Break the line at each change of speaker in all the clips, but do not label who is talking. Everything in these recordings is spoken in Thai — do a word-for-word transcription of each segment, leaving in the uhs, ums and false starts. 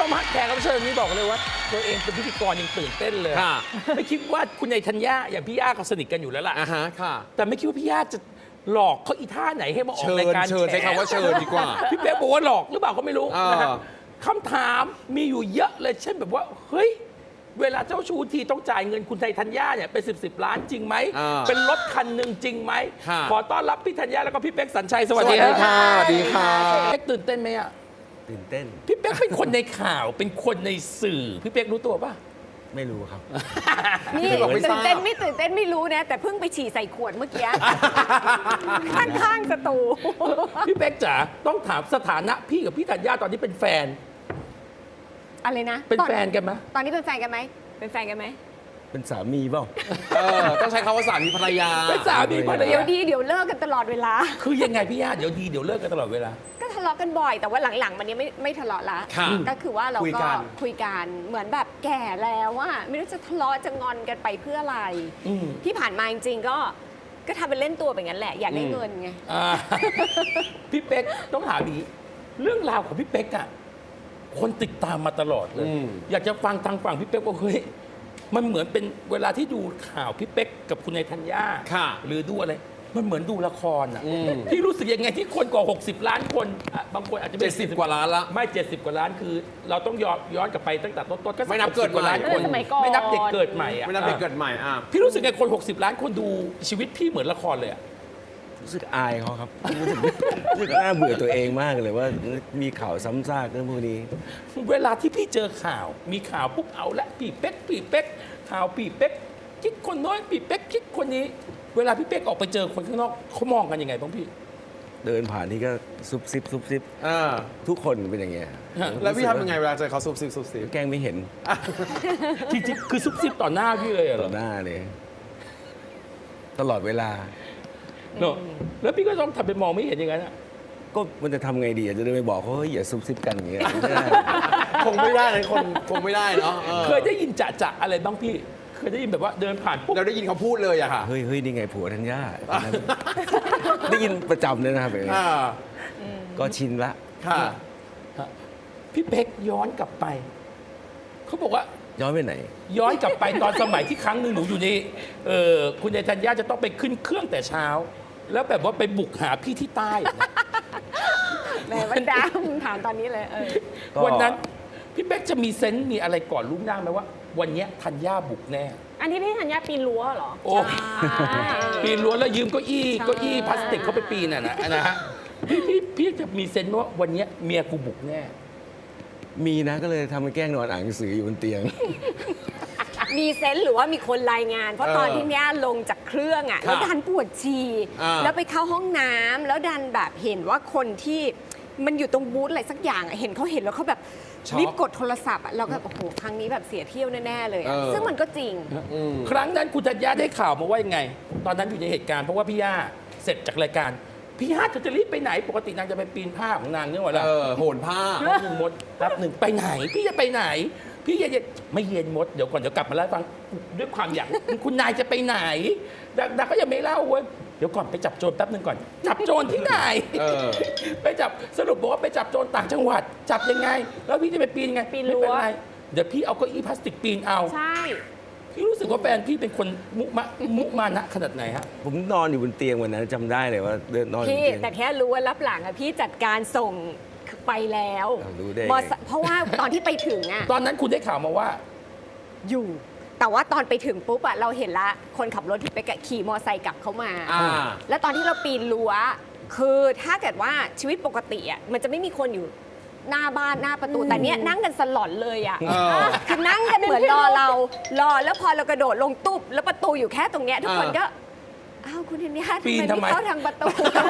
มฮะแขกรับเชิญนี้บอกเลยว่าตัวเองเป็นพิธีกรยังตื่นเต้นเลยไม่คิดว่าคุณนายธัญญาอย่างพี่ย่าก็สนิทกันอยู่แล้วล่ะ
อ่าฮะค่ะ
แต่ไม่คิดว่าพี่ย่าจะหลอกเขาอีท่าไหนให้มาออกรายการ
เชิญใช้คำว่าเชิญดีกว่า
พี่เป๊กบอกว่าหลอกหรือเปล่าก็ไม่รู้นะฮะคำถามมีอยู่เยอะเลยเช่นแบบว่าเฮ้ยเวลาเจ้าชู้ทีต้องจ่ายเงินคุณนายธัญญาเนี่ยเป็นสิบสิบล้านจริงไหมเป็นรถคันหนึ่งจริงไหมขอต้อนรับพี่ธัญญาแล้วก็พี่เป๊กสัญชัยสวัสดี
ค่ะดีค่ะ
เป๊กตื่นเต้นไหมอะ
ตื่นเต้น
พี่เป๊กเป็นคนในข่าวเป็นคนในสื่อพี่เป๊กรู้ตัวป่ะ
ไม่รู้ครับ
นี่ตื่นเต้นไม่ตื่นเต้นไม่รู้นะแต่เพิ่งไปฉี่ใส่ขวดเมื่อกี้ข้างๆสตู
พี่เป๊กจ๋าต้องถามสถานะพี่กับพี่ธัญญาตอนนี้เป็นแฟน
อะไรนะ
เป็นแฟนกันไหม
ตอนนี้เป็นแฟนกันไหมเป็นแฟนกันไหม
เป็นสามีเปล่า
เออต้องใช้คำว่าสามีภรรยา
เป็นสามีภรรยา
เดี๋ยวดีเดี๋ยวเลิกกันตลอดเวลา
คือยังไงพี่ย่าเดี๋ยวดีเดี๋ยวเลิกกันตลอดเวลา
ก็ทะเลาะกันบ่อยแต่ว่าหลังๆมันนี้ไม่ไม่ทะเลาะละก็คือว่าเราก็คุยกันเหมือนแบบแก่แล้วว่าไม่รู้จะทะเลาะจะงอนกันไปเพื่ออะไรที่ผ่านมาจริงๆก็ก็ทำเป็นเล่นตัวแบบนั้นแหละอยากได้เงินไง
พี่เป๊กต้องถามอีกเรื่องราวของพี่เป๊กอะคนติดตามมาตลอดเลยอยากจะฟังทางฝั่งพี่เป๊กว่าเฮ้ยมันเหมือนเป็นเวลาที่ดูข่าวพี่เป๊กกับคุณนายธัญญาหรือดูอะไรมันเหมือนดูละครอ่ะที่รู้สึกยังไงที่คนกว่าหกสิบล้านคนบางคนอาจจะ
เจ็ดสิบกว่าล้านละ
ไม่เจ็ดสิบกว่าล้านคือเราต้องย้อนย้อนกลับไปตั้งแต่ต้นๆก็
ไม่นับเกิด
กว่าล้านคนไม่นับเด็กเกิดใหม่อ่ะ
ไม่นับเด็กเกิดใหม่อ่ะ
พี่รู้สึกไงคนหกสิบล้านคนดูชีวิตพี่เหมือนละครเลยอ่ะ
รู้สึกอายเขาครับรู้สึกรู้สึกน่าเบื่อตัวเองมากเลยว่ามีข่าวซ้ำซากเรื่องพวกนี้
เวลาที่พี่เจอข่าวมีข่าวปุ๊บเอาละพี่เป๊กพี่เป๊กข่าวพี่เป๊กคิดคนน้อยพี่เป๊กคิดคนนี้เวลาพี่เป๊กออกไปเจอคนข้างนอกเขามองกันยังไงบ้างพี่
เดินผ่านนี่ก็ซุบซิบซุบซิบทุกคนเป็นอย่างเงี้ย
แล้วพี่ทำยังไงเวลาเจอเขาซุบซิบซุบซิบ
แกล้งไม่เห็น
จริงๆคือซุบซิบต่อหน้าพี่เลยเหรอ
ต่อหน้าเลยตลอดเวลา
เนอะแล้วพี่ก็ต้องทำเป็นมองไม่เห็นอย่างนั้นอ่ะ
ก็มันจะทำไงดีจะเดินไปบอกเขาเฮ้ยอย่าซุบซิบกันอย่างเงี้ย
คงไม่ได้เลยคนคงไม่ได้เนาะ
เคยได้ยินจะจะอะไรบ้างพี่เคยได้ยินแบบว่าเดินผ่านปุ๊บ
เราได้ยินเขาพูดเลยอะค่ะ
เฮ้ยเฮ้ยนี่ไงผัวธัญญาได้ยินประจำเลยนะครับก็ชินละ
ค่ะ
พี่เป๊กย้อนกลับไปเขาบอกว่า
ย้อนไปไหน
ย้อนกลับไปตอนสมัยที่ครั้งหนึ่งหนูอยู่ในเออคุณยายธัญญาจะต้องไปขึ้นเครื่องแต่เช้าแล้วแบบว่าไปบุกหาพี่ที่ใต้
แม่วันดำถามตอนนี้เลย
วันนั้นพี่เป๊กจะมีเซนต์มีอะไรก่อนลุกหน้าไหมว่าวันนี้ธัญญาบุกแน่
อันนี้พี่ธัญญาปีนรั้วเหรอ
โอ้ปีนรั้วแล้วยืมเก้าอี้เก้าอี้พลาสติกเขาไปปีนน่ะนะนะฮะพี่พี่พี่จะมีเซนต์ว่าวันนี้เมียกูบุกแน่
มีนะก็เลยทำให้แกล้งนอนอ่านหนังสืออยู่บนเตียง
มีเซนต์หรือว่ามีคนรายงานเพราะตอนที่เนี้ยลงจากเครื่องอ่ะแล้วดันปวดฉี่แล้วไปเข้าห้องน้ำแล้วดันแบบเห็นว่าคนที่มันอยู่ตรงบูธอะไรสักอย่างเห็นเขาเห็นแล้วเขาแบบรีบกดโทรศัพท์อ่ะเราก็โอ้โหครั้งนี้แบบเสียเที่ยวแน่ๆเลยซึ่งมันก็จริง
ครั้งนั้นคุณธัญญาได้ข่าวมาว่ายังไงตอนนั้นอยู่ในเหตุการณ์เพราะว่าพี่ย่าเสร็จจากรายการพี่ย่าจะรีบไปไหนปกตินางจะไปปีนผ้าของนางเนี่ยหรอล่ะ
โหนผ้า
หนึ่งมดรับหนึ่งไปไหนพี่จะไปไหนพี่เย็นไม่เย็นมดเดี๋ยวก่อนเดี๋ยวกลับมาเล่าฟังด้วยความอยากคุณนายจะไปไหนดาก็ยังไม่เล่าเว้ยเดี๋ยวก่อนไปจับโจรแป๊บนึงก่อนจับโจรที่ไหนไปจับสรุปบอกว่าไปจับโจรต่างจังหวัดจับยังไงแล้วพี่จะไปปีนยังไง
ปีนรั้ว
เดี๋ยวพี่เอาเก้าอี้พลาสติกปีนเอา
ใช่
พี่รู้สึกว่าแฟนพี่เป็นคนมุมะมุมานะขนาดไหนฮะ
ผมนอนอยู่บนเตียงวันนั้นจำได้เลยว่าเดินนอน
พี่แต่แค่รู้ว่ารับหลังอะพี่จัดการส่งไปแล้วเพราะว่าตอนที่ไปถึงอะ
ตอนนั้นคุณได้ข่าวมาว่า
อยู่แต่ว่าตอนไปถึงปุ๊บอะเราเห็นละคนขับรถที่ไปขี่มอไซค์กลับเข้ามาแล้วตอนที่เราปีนรั้วคือถ้าเกิดว่าชีวิตปกติอะมันจะไม่มีคนอยู่หน้าบ้านหน้าประตูแต่เนี้ยนั่งกันสลอนเลยอะคือนั่งกันเหมือนรอเรารอแล้วพอเรากระโดดลงตุ๊บแล้วประตูอยู่แค่ตรงเนี้ยทุกคนก็อ้าวคุณธัญญาทำไมไม่เข้าทางประตู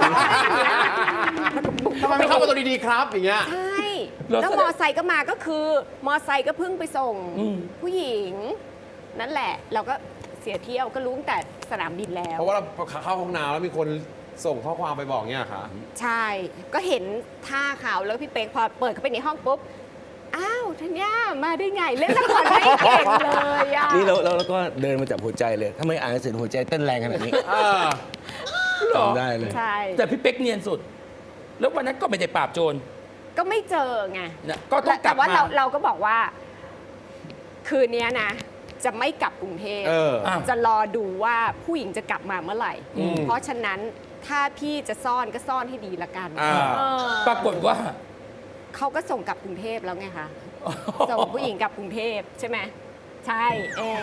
ทำไมไม่เข้าประตูดีๆครับอย่างเงี้ย
ใช่แล้วมอไซค์ก็มาก็คือมอไซค์ก็เพิ่งไปส่งผู้หญิงนั่นแหละเราก็เสียเที่ยวก็รู้ตั้งแต่สนามบินแล้ว
เพราะว่าเราเข้าห้องน้ำแล้วมีคนส่งข้อความไปบอกเนี่ยค่ะ
ใช่ก็เห็นท่าข่าวแล้วพี่เป๊กพอเปิดเข้าไปในห้องปุ๊บอ้าวธัญญามาได้ไงเล่นละครได้เก่งเลยอ่ะ
นี่เราเราก็เดินมาจับหัวใจเลยทำไมอ่านหนังสือหัวใจเต้นแรงขนาดนี้
จ
ำได้เลย
ใช่
แต่พี่เป๊กเนียนสุดแล้ววันนั้นก็ไม่ได้ปราบโจร
ก็ไม่เจอไง
เนี่ยก็ต้องกลั
แต่
บ
ว่า
มา
เราเราก็บอกว่า คืนนี้นะ จะไม่กลับกรุงเทพ
เออ
อ่ะ
จะรอดูว่าผู้หญิงจะกลับมาเมื่อไหร่
อืม
เพราะฉะนั้นถ้าพี่จะซ่อนก็ซ่อนให้ดีละกัน
อ่า
เออ
ปรากฏว่า
เขาก็ส่งกลับกรุงเทพแล้วไงคะ ส่งผู้หญิงกลับกรุงเทพใช่ไหมใช่เออ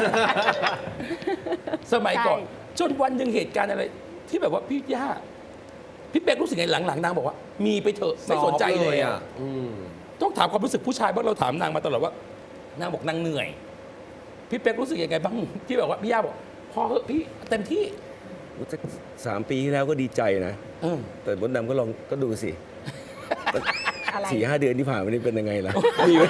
สมัยก่อน
ใช่
จนวันหนึ่งเหตุการณ์อะไร ที่แบบว่าพี่ย่าพี่เป๊กรู้สึกไงหลังๆนางบอกว่า มีไปเถอะไม่สนใจเลยอ่ะ
อืม
ต้องถามความรู้สึกผู้ชายบ้างเราถามนางมาตลอดว่านางบอกนางเหนื่อย พี่เป๊กรู้สึกยังไงบ้างที่แบบว่าพี่ย่าบอกพอเหอะพี่เต็มที่
สักสามปีที่แล้วก็ดีใจนะ
เออ
แต่มดดำก็ลองก็ดูสิ
อะไร
สี่ห้าเดือนที่ผ่านมานี่เป็นยังไงล่ะ มีไหม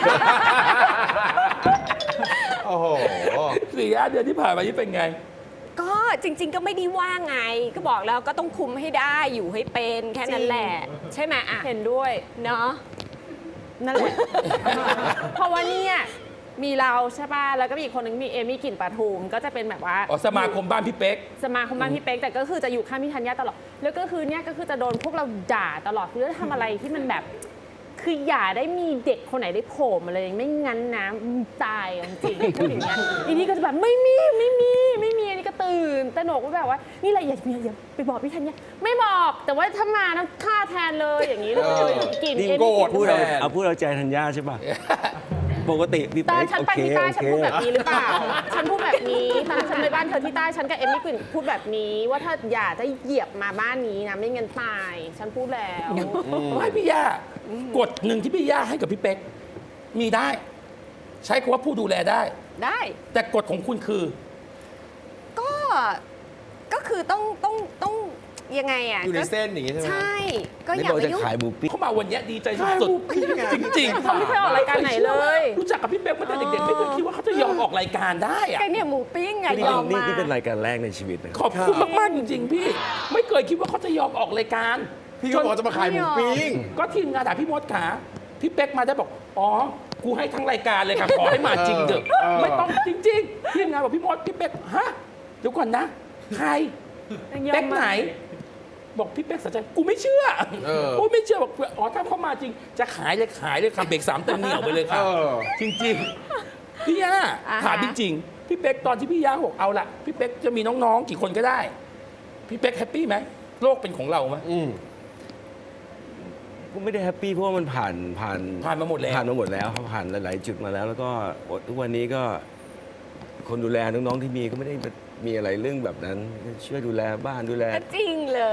โอ้โห
สี่ห้าเดือนที่ผ่านมานี่เป็นไง
ก็จริง ๆ ก็ไม่ได้ว่าไง ก็บอกแล้วก็ต้องคุมให้ได้อยู่ให้เป็นแค่นั้นแหละ ใช่ไหมอ่ะ
เห็นด้วย
เนาะ
นั่นแหละ เพราะว่าเนี่ยมีเราใช่ป่ะ แล้วก็มีอีกคนนึงมีเอมี่กลิ่นปทุมก็จะเป็นแบบว่า
อ๋อสมาคมบ้านพี่เป๊ก
สมาคมบ้านพี่เป๊กแต่ก็คือจะอยู่ข้างพี่ธัญญาตลอด แล้วก็คือเนี่ยก็คือจะโดนพวกเราด่าตลอดคือจะทำอะไรที่มันแบบ คืออย่าได้มีเด็กคนไหนได้โผล่มาเลยไม่งั้นนะมึงตายอ่ะจริงๆพูดอย่างเงี้ยอีนี่ก็จะแบบไม่มีไม่มีไม่มีอันนี้ก็ตื่นแต่หนกก็แบบว่านี่อะไรอย่าอย่าอย่าไปบอกพี่ธัญญาไม่บอกแต่ว่าถ้ามานะฆ่าแทนเลยอย่างนี้เลย
เออ
กลิ่น
นี่
เอมี่
โกรธ
พูดเอา
แทน
เอาพูดเอาใจธัญญาใช่ป่ะ ปกติพี่
ตอน
เป๊ก
ฉัน
โอ
ไป
เค
ที่ใต้
โอ
ฉัน
เค
พูดแบบนี้หรือเปล่า ฉันพูดแบบนี้ตอนฉันไปบ้านเธอที่ใต้ฉันกับเอมี่กลิ่นพูดแบบนี้ ว่าถ้าอย่าจะเหยียบมาบ้านนี้นะไม่งั้นตาย ฉันพูดแล้ว
ไม่พี่ย่ากฎหนึ่งที่พี่ย่าให้กับพี่เป๊กมีได้ ใช้คำว่าผู้ดูแลได้
ได้
แต่กฎของคุณคือ
ก็ก็คือต้องต้องต้องยังไงอ่ะ
อยู่ใน
ก็
เส้นอย่างงี้ใช่ไหม
ใช่ ก็
ไม่
อย่า
บอก
ไป
จะ
ยุ่ง
ขายหมูปิ้ง
เขามาวันนี้ดีใจสุดๆจริงๆ
เขาไม่เคยออกรายการไหนเลย
รู้จักกับพี่เป๊กมาตั้งแต่เด็กๆไม่เคยคิดว่าเขาจะยอมออกรายการได้อะ
แกเนี่ยหมูปิ้งไง
นี่
ยอม
นี่
มา
นี่เป็นรายการแรกในชีวิตนะ
ขอบคุณมากๆจริงๆพี่ ไม่เคยคิดว่าเขาจะยอมออกรายการ
พี่ก็บอกจะมาขายหมูปิ้ง
ก็ทีมงานถามพี่มดขาพี่เป๊กมาได้บอกอ๋อกูให้ทั้งรายการเลยค่ะขอให้มาจริงเถอะ
เออ
ไม่ต้องจริงๆทีมงานบอกพี่มดพี่เป๊กฮะเดี๋ยวก่อนนะใคร
ยอมมา
เป๊กไหน บอกพี่เป๊กสัจจกูไม่เชื่อ
เออ
โอ้ไม่เชื่อบอกอ๋อถ้าเขามาจริง จะขายเลยขายเลยค่ะเบรกสามเต็มเหนียวไปเลยค่ะ
เออ
จริงๆพี่ย่า
อ่าฮะ
ถามจริงๆพี่เป๊กตอนที่พี่ย่าบอกเอาละพี่เป๊กจะมีน้องๆกี่คนก็ได้ พี่เป๊กแฮปปี้ไหมโลกเป็นของเราไหม
อืม
ก็ไม่ได้แฮปปี้เพราะว่ามันผ่านผ่าน
ผ่านมาหมดแล้ว
ผ่านมาหมดแล้วครับผ่านหลายๆจุดมาแล้ว แล้วก็ทุกวันนี้ก็คนดูแลน้องๆที่มีก็ไม่ได้มีอะไรเรื่องแบบนั้นช่วยดูแลบ้านดูแล
ก็จริงเลย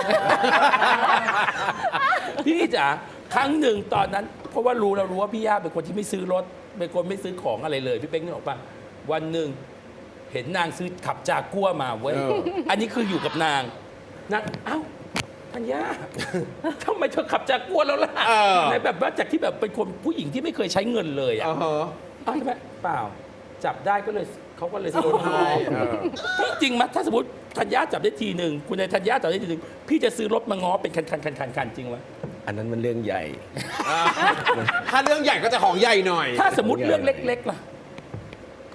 พี่จ๋าครั้งหนึ่งตอนนั้น เพราะว่ารู้เรารู้ว่าพี่ย่าเป็นคนที่ไม่ซื้อรถเป็นคนไม่ซื้อของอะไรเลย พี่เป๊กนึกออกปะวันหนึ่งเห็นนางซื้อขับจากัวมาเว้ย
เออ
อันนี้คืออยู่กับนางนางเอ้าธัญญา ทำไมเธอขับจากัวแล้วล่ะ
เออ
ในแบบว่าจากที่แบบเป็นคนผู้หญิงที่ไม่เคยใช้เงินเลยอ่ะ
อ่าฮะ
อ้าวใช่ไหมเปล่า จับได้ก็เลยเขาก็เลยซื้อรถ
ใช่เออ
จริงไหมถ้าสมมติธัญญาจับได้ทีหนึ่งคุณนายธัญญาจับได้ทีหนึ่งพี่จะซื้อรถมาง้อเป็นคันคันคันคันคันจริงไหม
อันนั้นมันเรื่องใหญ่
ถ้าเรื่องใหญ่ก็จะของใหญ่หน่อย
ถ้าสมมติเรื่องเล็กๆล่ะ
ก็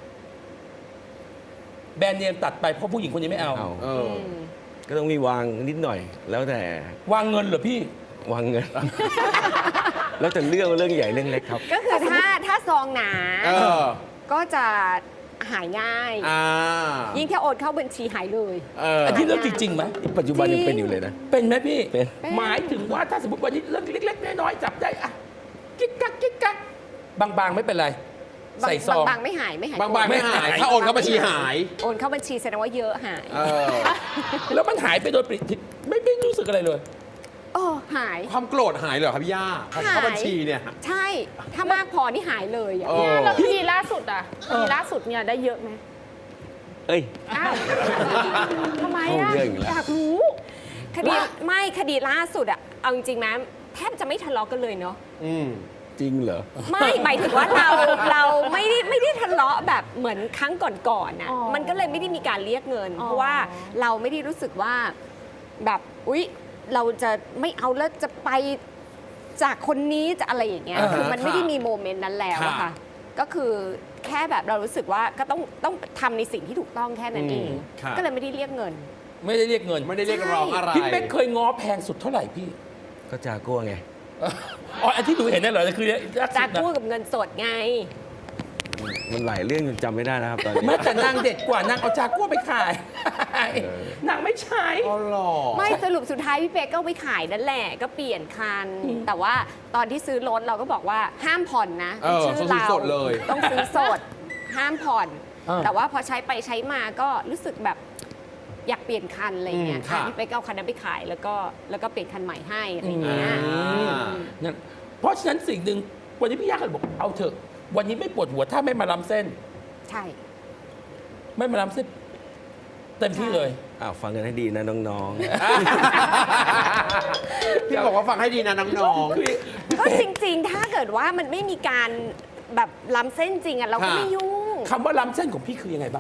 แบรนด์เนมตัดไปเพราะผู้หญิงคนนี้ไม่เอา
เอา
เออ
ก็ต้องมีวางนิดหน่อย แล้วแต่
วางเงินเหรอพี่
วางเงิน แล้วแต่เรื่องว่าเรื่องใหญ่เรื่องเล็กครับ
ก็คือถ้าถ้าซองหนา
เออ
ก็จะหายง่าย
อ่า
ยิ่งถ้าโอนเข้าบัญชีหายเลย
เออ
อันนี้เรื่องจริงๆไหม
นี่ปัจจุบันยังเป็นอยู่เลยนะ
เป็นไหมพี่
เป็น
หมายถึงว่าถ้าสมมติวันนี้เรื่องเล็กๆน้อยๆจับได้อะกิ๊กกักกิ๊กกักบางๆไม่เป็นไร
บาง
ใส่ซอง
บางๆไม่หายไม่หาย
บางๆไม่หาย ถ้าโอนเข้าบัญชีหาย
โอนเข้าบัญชีแสดงว่าเยอะหาย
เออ
แล้วมันหายไปโดยปริศไม่ไม่รู้สึกอะไรเลย
โอ้หาย
ความโกรธหายเหรอครับพี่ย่าพอเข้าบัญชีเนี่ย
ใช่ ถ้ามากพอนี่หายเลยอะ
เออ
แล้วคดีล่าสุดอ่ะคดีล่าสุดเนี่ยได้เยอะไหม
เอ้ย
อ้าวทำไม
เข้า
อ่ะ
เรื่องอีกแล้ว
อยากรู้
คดีไม่คดีล่าสุดอะเอาจริงๆไหมแทบจะไม่ทะเลาะกันเลยเนาะ
อืม
จริงเหรอ
ไม่หมายถึงว่าเราเราไม่ได้ไม่ได้ทะเลาะแบบเหมือนครั้งก่อนๆน่ะ
อ๋อ
มันก็เลยไม่ได้มีการเรียกเงิน
อ๋อ
เพราะว่าเราไม่ได้รู้สึกว่าแบบอุ๊ยเราจะไม่เอาแล้วจะไปจากคนนี้จะอะไรอย่างเงี้ย
อ่าฮะ
คือมันไม่ได้
ค่ะ
มีโมเมนต์นั้นแล้วอะ
ค่ะ
ค่ะ ก็คือแค่แบบเรารู้สึกว่าก็ต้องต้องทำในสิ่งที่ถูกต้องแค่นั้นเอง
อืมค่ะ
ก็เลยไม่ได้เรียกเงิน
ไม่ได้เรียกเงิน
ไม่ได้เรียกร้องอะไร
พี่เป๊กเคยง้อแพงสุดเท่าไหร่พี่
ก็จากัวไง
อ๋ออันที่หนูเห็นนั่นเหรอคือลักษ
จาก
ณะ
กู้กับเงินสดไง
มันหลายเรื่องจนจำไม่ได้นะครับตอนนี้
แม้แต่นางเด็ดกว่านางเอาจากัวไปขายนางไม่ใช้
อ๋อเหรอ
ไม่สรุปสุดท้ายพี่เป๊กก็เอาไปขายนั่นแหละก็เปลี่ยนคัน แต่ว่าตอนที่ซื้อรถเราก็บอกว่าห้ามผ่อนนะ
เออ
ชื่
ต้องซื้อสดเลย
ต้องซื้อสด ห้ามผ่อน
เออ
แต่ว่าพอใช้ไปใช้มาก็รู้สึกแบบอยากเปลี่ยนคันอะไรเงี้ย
อืมค่ะ
อ่ะพี่เป๊กก็เอาคันนั้นไปขายแล้วก็แล้วก็เปลี่ยนคันใหม่ให้อะไรเงี้ย
อ่า
นั่นเพราะฉะนั้นสิ่งหนึ่งวันนี้พี่ยาก็เลยบอกเอาเถอะ วันนี้ไม่ปวดหัวถ้าไม่มาล้ำเส้น
ใช่
ไม่มาล้ำเส้น เต็มที่เลย
อ้าวฟังกันให้ดีนะน้อง
พี่บอกว่าฟังให้ดีนะน้อง
คือ
ก็จริงๆ ถ้าเกิดว่ามันไม่มีการแบบล้ำเส้นจริงอ่ะเราก็
ค่ะ
ไม่ยุ่ง
คำว่าล้ำเส้นของพี่คือยังไงบ้าง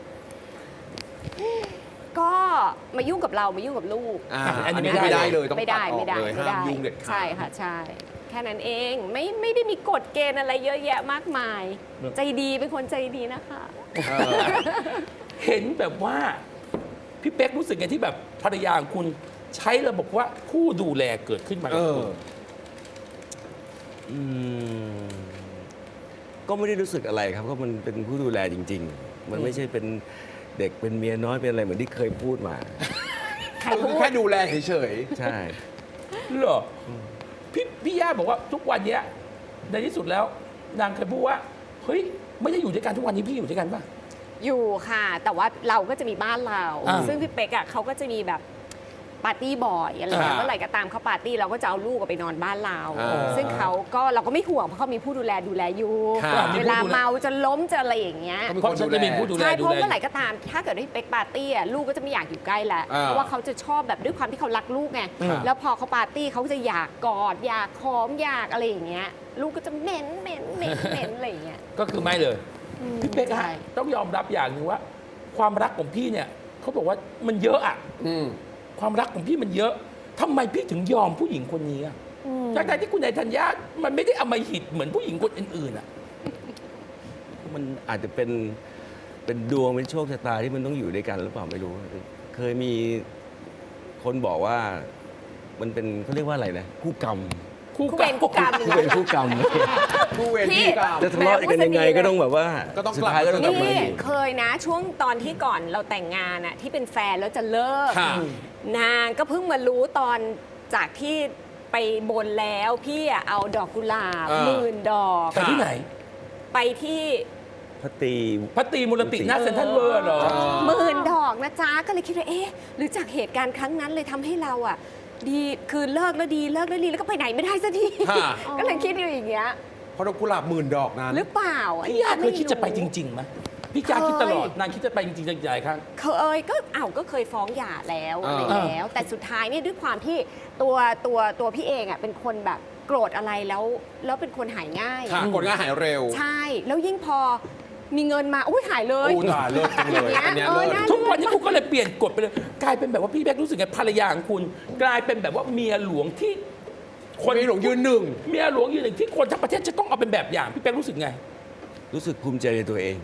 ก็มายุ่งกับเรามายุ่งกับลูก
ๆอ่า
อั
อั
น
น
นี้
นี้
ไม่
ไม่
ได้
ได้เลยต้อง
ไม่
ตั
ได้
ดออ
ไม่
ก
ได้
เลย
ไม่
ห้าม
ได้
ยุ่งเด็ดขาด
ใช่ค่ะใช่ แค่นั้นเองไม่ไม่ได้มีกฎเกณฑ์อะไรเยอะแยะมากมาย ใจดีเป็นคนใจดีนะคะ
เออ
เห็นแบบว่า พี่เป๊กรู้สึกไงที่แบบภรรยาของคุณใช้ระบบว่าผู้ดูแลเกิดขึ้นมา
เอ
กับ
อ
คุณ
ๆอืมก็ไม่ได้รู้สึกอะไรครับก็มันเป็นผู้ดูแลจริง ๆ มันไม่ใช่เป็นเด็กเป็นเมียน้อยเป็นอะไรเหมือนที่เคยพูดมา
ใคร
คื
พู
อ
ด
แค่ดูแลเฉย
ใช่
เหรอพี่พี่ย่าบอกว่าทุกวันเนี้ยในที่สุดแล้ว นางเคยพูดว่าเฮ้ยไม่ได้อยู่ด้วยกันทุกวันนี้พี่อยู่ด้วยกันป่ะ
อยู่ค่ะ แต่ว่าเราก็จะมีบ้านเรา
อ่า
ซึ่งพี่เป๊กอ่ะเขาก็จะมีแบบปาร์ตี้บ่อยอะไรเงี้ย
อ่า
เมื่อไหร่ก็ตามเขาปาร์ตี้เราก็จะเอาลูกไปนอนบ้านเรา
อ่า
ซึ่งเขาก็เราก็ไม่ห่วงเพราะเขามีผู้ดูแลดูแลอยู่
ค่ะ
เวลาเมาจะล้มจะอะไรอย่างเงี้ย
ก็มี
เพราะฉันจะมีผู้ดูแล
ใช่เพ
ดู
ราะ
แล
เมื่อไหร่ก็ตาม ถ้าเกิดให้เป๊กปาร์ตี้อ่ะลูกก็จะไม่อยากอยู่ใกล้แล้ว
อ่า
เพราะว่าเขาจะชอบแบบด้วยความที่เขารักลูกไง
อ่า
แล้วพอเขาปาร์ตี้เขาก็จะอยากกอดอยากหอมอยากอะไรอย่างเงี้ยลูกก็จะเหม็นเหม็นเหม็นเหม็นอะไรอย่างเงี้ย
ก็คือไม่เลย พี่เป๊ก
ใช่
ฮะต้องยอมรับอย่างหนึ่งว่า ความรักของพี่เนี่ยเขาบอกว่ามันเยอะอะ
ๆอืม
ความรักของพี่มันเยอะทำไมพี่ถึงยอมผู้หญิงคนนี้อะทั้งๆที่คุณนายธัญญามันไม่ได้อำมหิตเหมือนผู้หญิงคนอื่นๆอะ
มันอาจจะเป็นเป็นดวงเป็นโชคชะตาที่มันต้องอยู่ด้วยกันหรือเปล่าไม่รู้ เคยมีคนบอกว่ามันเป็นเขาเรียกว่าอะไรนะคู่กรรม
คู่
คู่
กั
เวรคู่กรรม
คู่เป็นคู่กรรม
ผู้เวร
พี่
พี่กรรม
จะทะเลาะกันยังไงก็ต้องแบบว่า
ก็ต้อง
สุด
กลับ
ท้ายก็ต้องกลับมา
นี่
อยู่
เคยนะช่วงตอนที่ก่อนเราแต่งงานอะที่เป็นแฟนแล้วจะเลิก
ค่ะ
นางก็เพิ่งมารู้ตอนจากที่ไปบนแล้วพี่อะเอาดอกกุหลาบ
อ่า
หมื่นดอก
ไปที่ไหน
ไปที่
พัตตี
พัตตีมูลติหน้าเซ็นทรัลเวิร์เหรอ
หมื่นดอกนะจ๊ะก็เลยคิดว่าเอ๊ะหรือจากเหตุการณ์ครั้งนั้นเลยทำให้เราอะดีคือเลิกแล้วดีเลิกแล้วดีแล้วก็ไปไหนไม่ได้สักที
ค่ะ
ก็เลยคิดอยู่อย่างเงี้ย
เพราะดอกกุหลาบหมื่นดอกนั้น
หรือเปล่า
พี่ยาเคยคิดจะไปจ
ริง
ริงๆไหมพี่ยาคิดตลอดนางคิดจะไปจริงๆใหญ่ๆครั้ง
เคยก็อ้าวก็เคยฟ้องหย่าแล้ว
อ่า
อะไรแล้ว แต่สุดท้ายเนี่ยด้วยความที่ตัวตัวตัวพี่เองอ่ะเป็นคนแบบโกรธอะไรแล้ว แล้วเป็นคนหายง่าย
ค่ะกดง่ายหายเร็ว
ใช่ แล้วยิ่งพอมีเงินมาอุ้ยหายเลย
โอ้ตายเลิศจังเลย
อย่าง
อัน
เงี้
เนี้
ย
ย
เออ
เลิศ
น่า
ทุกวันนี้คุณก็เลยเปลี่ยนกฎไปเลย กลายเป็นแบบว่าพี่แบ๊กรู้สึกไงภรรยาของคุณ กลายเป็นแบบว่าเมียหลวงที่
คนมีหลงยืนหนึ่ง
เมียหลวงยืนหนึ่งที่คนทั้งประเทศจะต้องเอาเป็นแบบอย่างพี่แบ๊กรู้สึกไง
รู้สึกภูมิใจในตัวเอง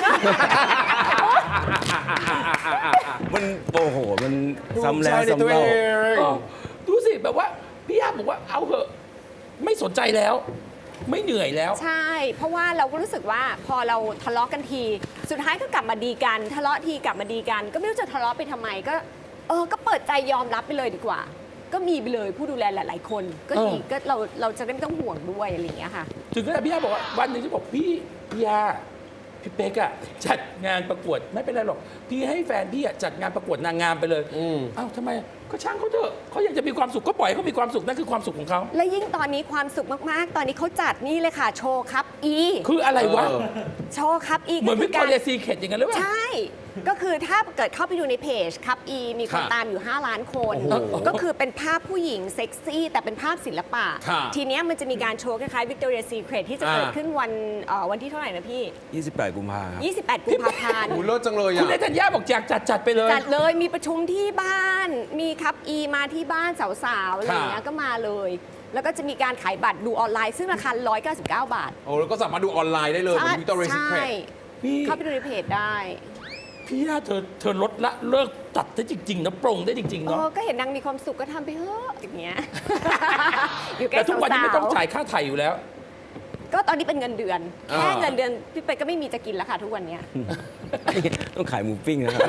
มันโอ้โห มันซ้ำแล้วซ้ำเล่า
เออดูสิแบบว่าพี่ยาบอกว่าเอาเถอะไม่สนใจแล้ว ไม่เหนื่อยแล้ว
ใช่ เพราะว่าเราก็รู้สึกว่าพอเราทะเลาะกันที สุดท้ายก็กลับมาดีกัน ทะเลาะทีกลับมาดีกัน ก็ไม่รู้จะทะเลาะไปทำไมก็ เออก็เปิดใจยอมรับไปเลยดีกว่า ก็มีไปเลยผู้ดูแลหลาย ๆ คน ก็ดี
เออ
ก็เราเราจะได้ไม่ต้องห่วงด้วยอะไรอย่างเงี้ยค่ะ
ถึงขนาดพี่ยาบอกว่าวันหนึ่งที่บอกพี่พี่ยาพี่เป๊กอะจัดงานประกวดไม่เป็นไรหรอก พี่ให้แฟนพี่อะจัดงานประกวดนางงามไปเลย
อืม
เอ้าทำไมก็ช่างเขาเถอะเขาอยากจะมีความสุขก็ปล่อยให้เขามีความสุขนั่นคือความสุขของเขา
และยิ่งตอนนี้ความสุขมาก ๆ ตอนนี้เขาจัดนี่เลยค่ะ โชว์ครับอี
คืออะไรวะ
เออ
โชว์ครับอี
เหมือนวิกตอเรียซีเคทอย่างนั้นหรือเปล่า
ใช่ ก็คือถ้าเกิดเข้าไปดูในเพจครับอีมีคน
ค่ะ
ตามอยู่ ห้า ล้านคน
โอ้โห
ก็คือเป็นภาพผู้หญิงเซ็กซี่ แต่เป็นภาพศิลปะ
ค่ะ
ทีเนี้ยมันจะมีการโชว์คล้ายๆ Victoria's Secret ที่จะเกิด
อ่า
ขึ้นวันเอ่อวันที่เท่าไหร่นะพี่
ยี่สิบแปด กุมภาพันธ์
ยี่สิบแปด กุมภาพันธ์
โอ้เลิศจังเลย
คุณ
อ่ะ
นายธัญญาบอกอยากจัดจัดไปเลย
จัดเลยมีประชุมที่บ้าน มีครับอีมาที่บ้านสาวๆอะไรอย่างเงี้ย
ค่ะ
ก็มาเลย แล้วก็จะมีการขายบัตรดูออนไลน์ซึ่งราคาหนึ่งร้อยเก้าสิบเก้า บาท
โอ้แล้วก็สามารถดูออนไลน์ได้เลยเหมือนวิตอเรียซีเคร
ใช่
ต
พี่
เข้าไปดูในเพจได้
พี่ย่าเธอเธอลดละเลิกตัดได้จริงๆนะปรงได้จริงๆ
เอ
เนาะ
อก็เห็นนางมีความสุขก็ทำไปเถอะอย่างเงี้ย อยู่ใกล้
แต่ทุกวันนี้ไม่ต้อง
สวๆ
จ่ายค่าไถ่อยู่แล้ว
ก็ตอนนี้เป็นเงินเดือน
อ่า
แค่เงินเดือนพี่เป๊กก็ไม่มีจะกินแล้วค่ะทุกวันเนี้ย
ต้องขายหมูปิ้งนะครับ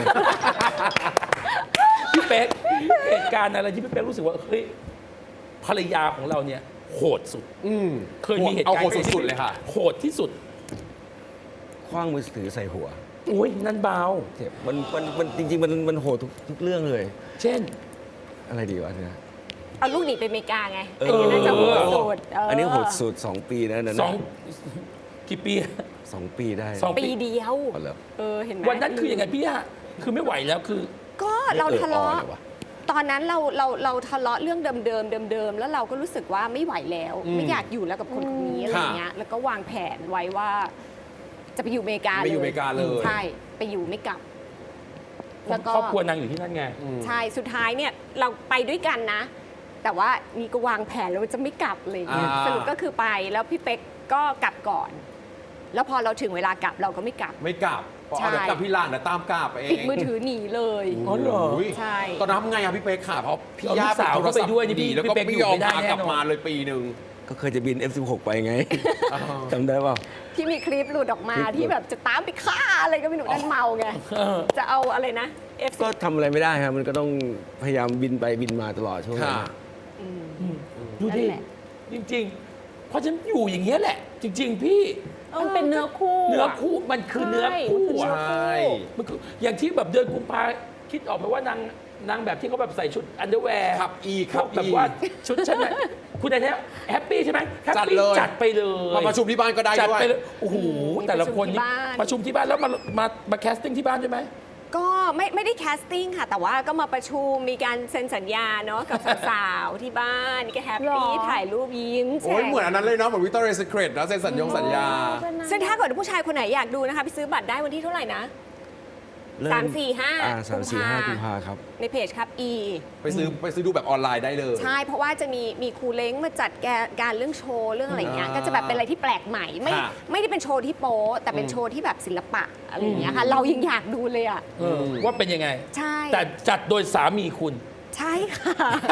พี่เป๊กเหตุการณ์อะไรที่พี่เป๊กรู้สึกว่าเฮ้ยภรรยาของเราเนี่ยโหดสุด
อืม
เคยมีเหตุ
เอา
การณ์
โหดสุดๆเลยค่ะ
โหดที่สุด
คว้างมือถือใส่หัว
อุ้ยนั่นเบา
เจ็บมันมันมันจริง ๆ มันมันโหดทุกทุกเรื่องเลย
เช่น
อะไรดีวะเนี่ย
เอาลูกหนีไปอเมริกาไง
เออ
อันนี้น่าจะโหดสุดเ
อันนี้โหดสุดสองปีนะนั่น
ส
น่ะ
องกี่ปี
สองปีได้
สอง
ปีเดียว
อ๋อเหรอ
เออเห็นไหม
วันนั้นคือยังไงพี่ย่าคือไม่ไหวแล้วคือ
ก็เราทะเลาะ
เอออ่อนเหรอวะ
ตอนนั้นเราเราเราทะเลาะเรื่องเดิมๆเดิมๆแล้วเราก็รู้สึกว่าไม่ไหวแล้ว
อืม
ไม่อยากอยู่แล้วกับคนคนนี้อะไรเงี้ยแล้วก็วางแผนไว้ว่า จะไปอยู่อเมริกา
ไปอยู่อเมริกาเลย
ใช่ไปอยู่ไม่กลับ แล้วก็
ครอบครัวนางอยู่ที่นั่นไง
อืม
ใช่สุดท้ายเนี่ยเราไปด้วยกันนะ แต่ว่านี่ก็วางแผนแล้วว่าจะไม่กลับเลยเนี่ย
อ่า
สรุปก็คือไปแล้วพี่เป๊กก็กลับก่อน แล้วพอเราถึงเวลากลับเราก็ไม่กลับ
ไม่กลับพอ
ใช่
เอาเดี๋ยวกลับพี่ลานเดี๋ยวตามกลับเอง
ปิดมือถือหนีเลย
อ๋อเหรอ
โย
ใช่
ตอนนั้นทำไงอะพี่เป๊กค่ะเพราะพี่
เอา
ย่า
ลูกสาว
ปิโทรศัพท์
เข้าไปด้วยนี่พี่
แล้วก็
พี่เป๊ก
ไม่
อยู่
ยอม
ไม่ได้
พา
แน่
กลับ
นอน
มาเลยปีหนึ่ง
ก็เคยจะบิน เอฟ สิบหก ไปไง
อ่า
จำได้เปล่า
ที่มีคลิปหลุดออกมา
คลิปหลุด
ที่แบบจะตามไปฆ่าอะไรก็ไม่รู้นั่นเมาไง
เออ
จะเอาอะไรนะ F
ก็ทำอะไรไม่ได้ครับ มันก็ต้องพยายามบินไปบินมาตลอดช่วงนั้น
ค่ะ
ดู
นั่
ดิ
นแหละ
จริง ๆ เพราะฉันอยู่อย่างเงี้ยแหละ จริง ๆ พี่
มันเป็นเนื้อคู่
เนื้อคู่มันคือเนื้อคู่
ใช
อะ
่
มันคืออย่างที่แบบเดือนกุมภาคิดออกไหมว่านางนางแบบที่เขาแบบใส่ชุดอันเดอร์แวร์
ครับอีค
พ
รั
ว
บ
กแบบ
อี
ว่าชุดชั้นในคุณไอ้เนี่ยแฮปปี้ใช่ไหมแฮป
จัด
ปี้
เลย
จัดไปเลย
มาประชุมที่บ้านก็ได้
จัด
ด้วย
ไปเลยโอ้โห
อืม
แต่ละคนนี่
ป
ประ
ชุ
ชุ
ม
ม
ที่
ที่
บ้า
บ้าน นแล้วมามามาแคสติ้งที่บ้านใช่ไหม
ก็ไม่ไม่ได้แคสติ้งค่ะ แต่ว่าก็มาประชุมมีการเซ็นสัญญาเนาะกับสาวๆที่บ้านนี่ก็แฮปปี้
หรอ
ถ่ายรูปยิ้มแฉ่
โอ้ยเหมือนอันนั้นเลยเนาะเหมือนวิ c ตอเรีย s ี c r e t นะเซ็นสัญญงสัญญา
ซึ่งถ้าเกิดผู้ชายคนไหนอยากดูนะคะไปซื้อบัตรได้วันที่เท่าไหร่นะ
เริ่
สามสี่ห้า
อ่าสามสี่ห้า
กุ
กุ
ม
ม
ภา
ภาครับ
ในเพจครับ E
ไปซื้อไปซื้อดูแบบออนไลน์ได้เลย
ใช่ เพราะว่าจะมีมีครูเล้งมาจัดแกการเรื่องโชว์เรื่องอะไรเงี้ย
อ่า
ก็จะแบบเป็นอะไรที่แปลกใหม่ ไม่
ค่ะ
ไม่ได้เป็นโชว์ที่โป๊แต่เป็น
อืม
โชว์ที่แบบศิลปะอะไรอย่างเงี้ยค่ะ เรายังอยากดูเลยอ่ะ
เออว่าเป็นยังไง
ใช่
แต่จัดโดยสามีคุณ
ใช่ค่ะ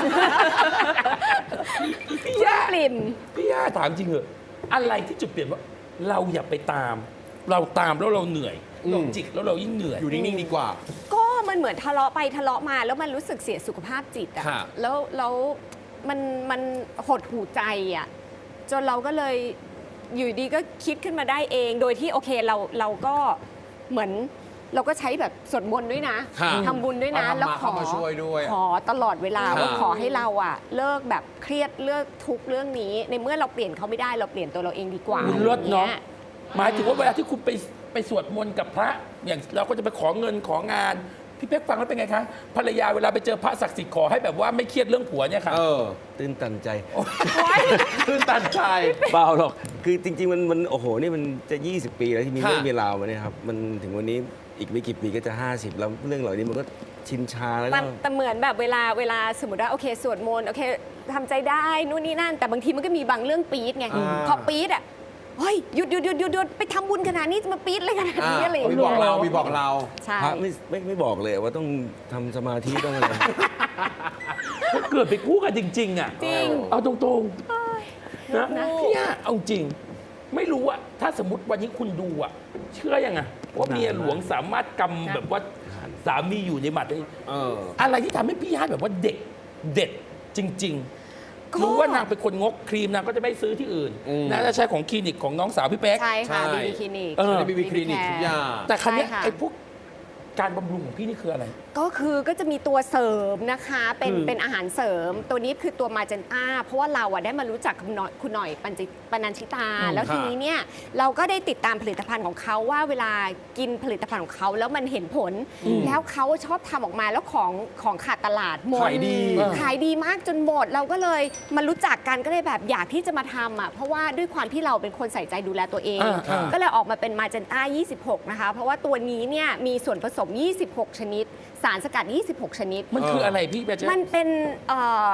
พี่
คุณ
ย่า
ปลิ่น
พี่ย่าถามจริงเหอะอะไรที่จุดเปลี่ยนว่า เราอย่าไปตาม เราตามแล้วเราเหนื่อย
อืม
เราจิกแล้วเรายิ่งเหนื่อย
อยู่นิ่ง ๆ ดีกว่า
ก็มันเหมือนทะเลาะไปทะเลาะมาแล้วมันรู้สึกเสียสุขภาพจิตอะ
ค่ะ
แล้วแล้วมันมันหดหูใจอะจนเราก็เลยอยู่ดีก็คิดขึ้นมาได้เอง โดยที่โอเคเราเราก็เหมือนเราก็ใช้แบบสวดมนต์ด้วยนะ
ค่ะ
ทำบุญด้วยนะ
เอาธรรมะ
แล้วขอ
เข้ามาช่วยด้วย
ขอตลอดเวลา
ค่ะ
ว่าขอให้เราอะเลิกแบบเครียดเลิกทุกข์เรื่องนี้ ในเมื่อเราเปลี่ยนเขาไม่ได้เราเปลี่ยนตัวเราเองดีกว่า
คุณเลิศเนาะ
อย่งงี้ย
หมายถึงว่าเวลาที่คุณไปไปสวดมนต์กับพระ อย่างเราก็จะไปขอเงินของาน พี่เป๊กฟังแล้วเป็นไงคะภรรยาเวลาไปเจอพระศักดิ์สิทธิ์ขอให้แบบว่าไม่เครียดเรื่องผัวเนี่ยค่ะ
เออ
ตื้นตันใจ
ขึ้นตันใจ
เปล่าหรอก คือจริง ๆ มันมันโอ้โห นี่มันจะ ยี่สิบ ปีแล้วที่มี
ค่ะ
เรื่องมีราวมาเนี่ยครับ มันถึงวันนี้อีกไม่กี่ปีก็จะ ห้าสิบ แล้วเรื่องเหล่านี้มันก็ชินชาแล้ว
แต่
ก็
แต่เหมือนแบบเวลาเวลาสมมติว่าโอเคสวดมนต์โอเคทำใจได้นู่นนี่นั่น แต่บางทีมันก็มีบางเรื่องปี๊ดไง
อ่า
พอปี๊ดอ่ะเฮ้ยหยุดหยุดหยุดหยุดหยุดไปทำบุญขนาดนี้จะมาปี๊ดอะไรขนาด
อ่า
นี้อะไรอย่าง
มี
เงี้
บอก
ย
เรามีบอกเรา
ใช่
พระไม่ไม่ไม่บอกเลยว่าต้องทำสมาธิต้องอะไร
มันเกิดไปคู่กันจริง ๆ อ่ะ
จริง
เอาตรงๆนะพี่ย่าเอาจริง ไม่รู้อะถ้าสมมติวันนี้คุณดูอะเชื่อยังไงว่าเมียหลวงสามารถกำแบบว่าสามีอยู่ในหมัดได้
เออ
อะไรที่ทำให้พี่ย่าแบบว่าเด็กเด็ดจริง
ก็
ๆ รู้ว่านางเป็นคนงกครีมนางก็จะไม่ซื้อที่อื่น
อืม
นางจะใช้ของคลินิกของน้องสาวพี่เป๊ก
ใช่ค่ะ
ใช่
บีบีคลินิก
เออ
ได้บีบีคลินิกทุกอย่าง
แต่ครั้นี้ย
ใช่ค่ะ
ไอ้พวกการบำรุงของพี่นี่คืออะไร
ก็คือก็จะมีตัวเสริมนะคะ เป็น
คือ
เป็นอาหารเสริม ตัวนี้คือตัวมาเจนต้าเพราะว่าเราอะได้มารู้จักคุณหน่อยคุณหน่อยปัญจิปนัญชิตา
อืม
แล้วที
ค่ะ
นี้เนี่ยเราก็ได้ติดตามผลิตภัณฑ์ของเขาว่าเวลากินผลิตภัณฑ์ของเขาแล้วมันเห็นผล แล้วเขาชอบทำออกมาแล้วของของขาดตลาดหมด
ขายดี
ขายดีมากจนหมด เราก็เลยมารู้จักกันก็เลยแบบอยากที่จะมาทำอ่ะเพราะว่าด้วยความที่เราเป็นคนใส่ใจดูแลตัวเอง
อ่าอ่า
ก็เลยออกมาเป็นมาเจนต้ายี่สิบหกนะคะเพราะว่าตัวนี้เนี่ยมีส่วนผสมยี่สิบหกชนิด สารสกัด ยี่สิบหก ชนิด
มันคืออะไรพี่เป๊ก
มันเป็นเอ่อ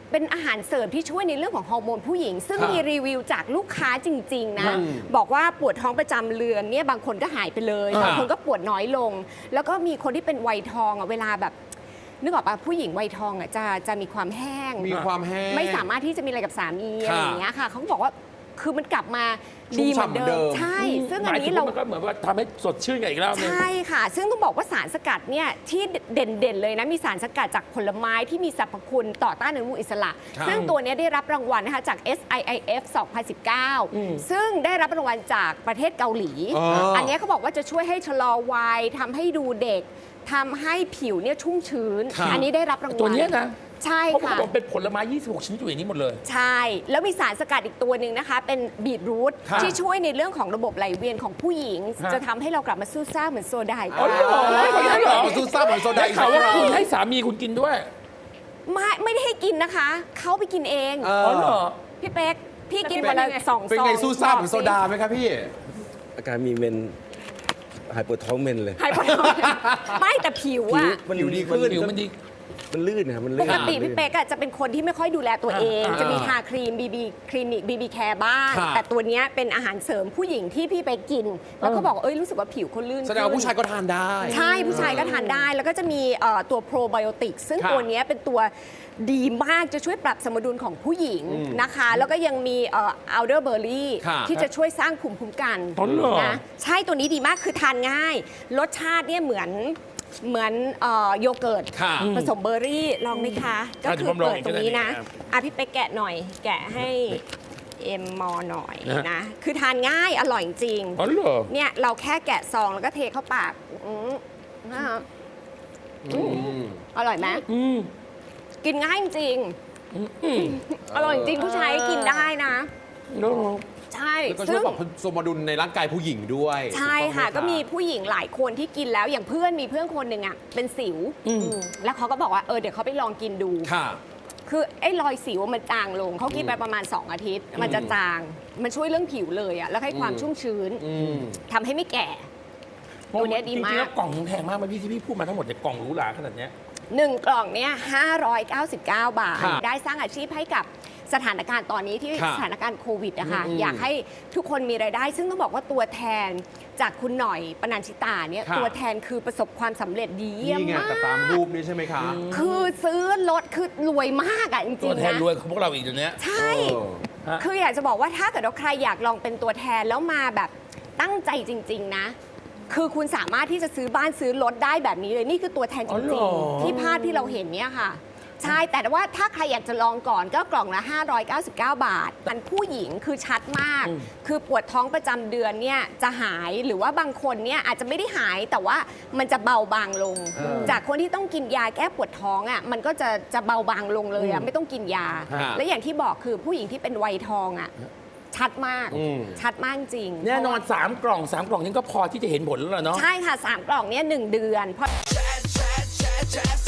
เป็นอาหารเสริมที่ช่วยในเรื่องของฮอร์โมนผู้หญิง ซึ่ง
ครับ
มีรีวิวจากลูกค้าจริง ๆ นะ
อืม
บอกว่าปวดท้องประจำเดือนเนี่ยบางคนก็หายไปเลย
อ่า
บางคนก็ปวดน้อยลง แล้วก็มีคนที่เป็นวัยทองอ่ะเวลาแบบนึกออกปะผู้หญิงวัยทองอ่ะจะจะมีความแห้ง
มีความแห้ง
ไม่สามารถที่จะมีอะไรกับสามี
ค่ะ
อะไรอย่างเงี้ยค่ะเขาก็บอกว่าคือมันกลับมา
ชุ่
ดี
ม
เหมือน
ฉ่ำเหมือนเดิ
เดิม
ม
ใช่ ซึ่ง
ห
อัน
มายถึ
นี้
ง
เรา
ว่ามันก็เหมือนว่าทำให้สดชื่นกันอีกแล้วนึง
ใช่ค่ะ ซึ่งต้องบอกว่าสารสกัดเนี่ยที่เด่นๆเลยนะ มีสารสกัดจากผลไม้ที่มีสรรพคุณต่อต้านอนุมูลอิสระ
ครับ
ซึ่งตัวเนี้ยได้รับรางวัลนะคะจาก เอส ไอ ไอ เอฟ สองพันสิบเก้า ซึ่งได้รับรางวัลจากประเทศเกาหลี
อ๋ออั
อันเนี้ยเขาบอกว่าจะช่วยให้ชะลอวัยทำให้ดูเด็กทำให้ผิวเนี่ยชุ่มชื้น
ครับ
อันนี้ได้รับรางวัล
ตัวเนี้ยนะ
ใช่
เพราะ
ค่ะ
ว่าเป็นผลไม้ยี่สิบหกชนิดอยู่ในนี้หมดเลย
ใช่ แล้วมีสารสกัดอีกตัวหนึ่งนะคะ เป็นบีทรูท
ครับ
ที่ช่วยในเรื่องของระบบไหลเวียนของผู้หญิง
ฮะ
จะทำให้เรากลับมาสู้ซ่าเหมือนโซดาอีก
อ๋อเหรอ
เหรอซูซ่าเหมือนโซดา
ได้
อีก
ข่าวว่า
แล้ว
คุณให้สามีคุณกินด้วย
ไม่ไม่ได้ให้กินนะคะ เขาไปกินเอง
เอ
อ๋อเหรอ
พี่เป๊ก พี่กินวันละสองซอง
เป็นไงซูซ่าเหมือนโซดาไหมครับพี่
อาการมีเมนหายปวดท้องเมนเลย
ให้พอไม่แต่ผิวอะ
มัน
ผิวดีขึ้น
ผิวมันดี
มันลื่นนะครับมัน
ป
ลื่น
กติ
ลื่น
พี่เป๊กอะจะเป็นคนที่ไม่ค่อยดูแลตัวเอง
อ่า
จะมีทาครีมบีบีคลินิกบีบีแคร์บ้าง
ค่ะ
แต่ตัวเนี้ยเป็นอาหารเสริมผู้หญิงที่พี่เป๊กกิน แล้วก็บอกว่าเอ้ยรู้สึกว่าผิวเขาลื่น
แสดงว่าผู้ชายก็ทานได้
ใช่ผู้ชายก็ทานได้ แล้วก็จะมีเอ่อตัวโปรไบโอติกซึ่ง
ค่ะ
ตัวเนี้ยเป็นตัวดีมากจะช่วยปรับสมดุลของผู้หญิง
อืม
นะคะ แล้วก็ยังมีเอัลเดอร์เบอร์รี่
ค่ะ
ที่จะช่วยสร้างภูมิคุ้มกัน
อ๋อเหรอ
นะใช่ตัวนี้ดีมากคือทานง่าย รสชาติเนี่ยเหมือนเหมือนเอ่อโยเกิร์ต
ค่ะ
ผสมเบอร์รี่ลองไหมคะ ก็
อ่ะ
คื
เดี๋ยวผมลอง
อเปิด
อีก
ตรงนี้นะ
ก็ได้
อ่ะพี่ไปแกะหน่อย แกะให้เอ็มมอหน่อย
นะ
นะ คือทานง่ายอร่อยจริง
อ๋อเหรอ
เนี่ยเราแค่แกะซองแล้วก็เทเข้าปากอืมนะคะ
อืม
อร่อยไหม
อืม
กินง่ายจริง
อืม
อร่อยจริงผู้ชายกินได้นะ
แล้ว
ใช่
แล้วก็ช่ว
ซึ่
ย
ง
ปรับสมดุลในร่างกายผู้หญิงด้วย
ใช่ค่ะ
ถู
ก็
ต้องไห
มีผู้หญิงหลายคนที่กินแล้วอย่างเพื่อนมีเพื่อนคนหนึ่งอ่ะเป็นสิว
อืม
อืมแล้วเขาก็บอกว่าเออเดี๋ยวเขาไปลองกินดู
ค่ะ
คือไอ้รอยสิวมันจางลงเขากินไปประมาณ สอง อาทิตย์ มันจะจาง มันช่วยเรื่องผิวเลยอ่ะแล้วให้ความ
อืม
ชุ่มชื้น
อืม
ทำให้ไม่แก่ ตัวเนี้ยดีมาก
จริงๆแล้วกล่องแพงมากไหมพี่ที่พี่พูดมาทั้งหมดเนี่ยกล่องหรูหราขนาดเนี้ย
หนึ่งกล่องเนี่ยห้าร้อยเก้าสิบเก้า บาท
ครับ
ได้สร้างอาชีพให้กับสถานการณ์ตอนนี้ที่
ครับ
สถานการณ์โควิดนะคะ
อืม
อยากให้ทุกคนมีรายได้ ซึ่งต้องบอกว่าตัวแทนจากคุณหน่อยปนัญชิตาเนี่ย
ครับ
ตัวแทนคือประสบความสำเร็จดีเยี่ยม
นี่ไง
มาก
แต่ตามรูปนี้ใช่ไหมคะ
คือซื้อรถคือรวยมากอ่ะจริ
ตัว
ง
แท
ๆ
น
นะ
รวยของพวกเราอีกเดี๋ยวนี้
ใช่
เออ
ฮะ
คืออยากจะบอกว่าถ้าเกิดว่าใครอยากลองเป็นตัวแทนแล้วมาแบบตั้งใจจริง ๆ นะ คือคุณสามารถที่จะซื้อบ้านซื้อรถได้แบบนี้เลย นี่คือตัวแทนจ
อ๋อเหร
ริง
อ
ๆ ที่ภาพที่เราเห็นเนี่ยค่ะ ใช่ แต่ว่าถ้าใครอยากจะลองก่อนก็กล่องละ ห้าร้อยเก้าสิบเก้า บาท มันผู้หญิงคือชัดมาก คือปวดท้องประจำเดือนเนี่ยจะหายหรือว่าบางคนเนี่ยอาจจะไม่ได้หายแต่ว่ามันจะเบาบางลง
เออ
จากคนที่ต้องกินยาแก้ปวดท้องอ่ะมันก็จะจะเบาบางลงเลยอ่ะไม่ต้องกินยา
ฮะ
และอย่างที่บอกคือผู้หญิงที่เป็นวัยทองอ่ะชัดมาก
อืม
ชัดมากจริง
แน่นอนสามกล่องสามกล่องนี้ก็พอที่จะเห็นผลแล้วล่ะเนาะ
ใช่ค่ะ สาม กล่องเนี้ยหนึ่งเดือนเพราะ